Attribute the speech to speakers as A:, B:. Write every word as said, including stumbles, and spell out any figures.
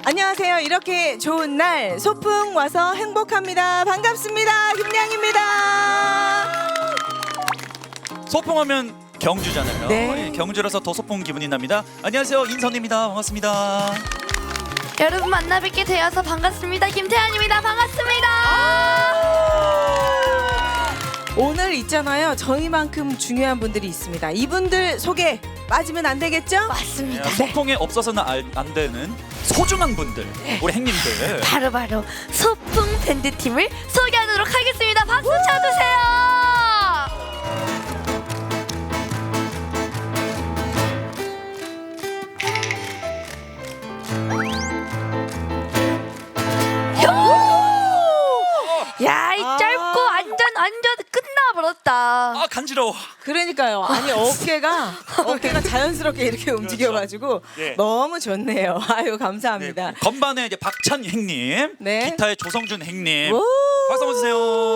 A: 안녕하세요. 이렇게 좋은 날 소풍 와서 행복합니다. 반갑습니다. 김양입니다.
B: 소풍하면 경주잖아요.
A: 네.
B: 예, 경주라서 더 소풍 기분이 납니다. 안녕하세요, 인선입니다. 반갑습니다.
C: 여러분 만나 뵙게 되어서 반갑습니다. 김태환입니다. 반갑습니다.
A: 오늘 있잖아요. 저희만큼 중요한 분들이 있습니다. 이분들 소개 빠지면 안 되겠죠?
C: 맞습니다.
B: 예, 소풍에 없어서는 알- 안 되는 소중한 분들, 우리 행님들.
C: 바로바로 소풍 밴드 팀을 소개하도록 하겠습니다. 박수 쳐주세요. 야, 이
A: 아.
C: 짧고 완전 완전 끝나버렸다.
B: 아 간지러워.
A: 그러니까요. 아니 어깨가 어깨가 자연스럽게 이렇게 움직여가지고
B: 예.
A: 너무 좋네요. 아유
B: 네,
A: 감사합니다.
B: 건반에 이제 박찬 행님,
A: 네.
B: 기타에 조성준 행님.
A: 오!
B: 박수 한번 주세요.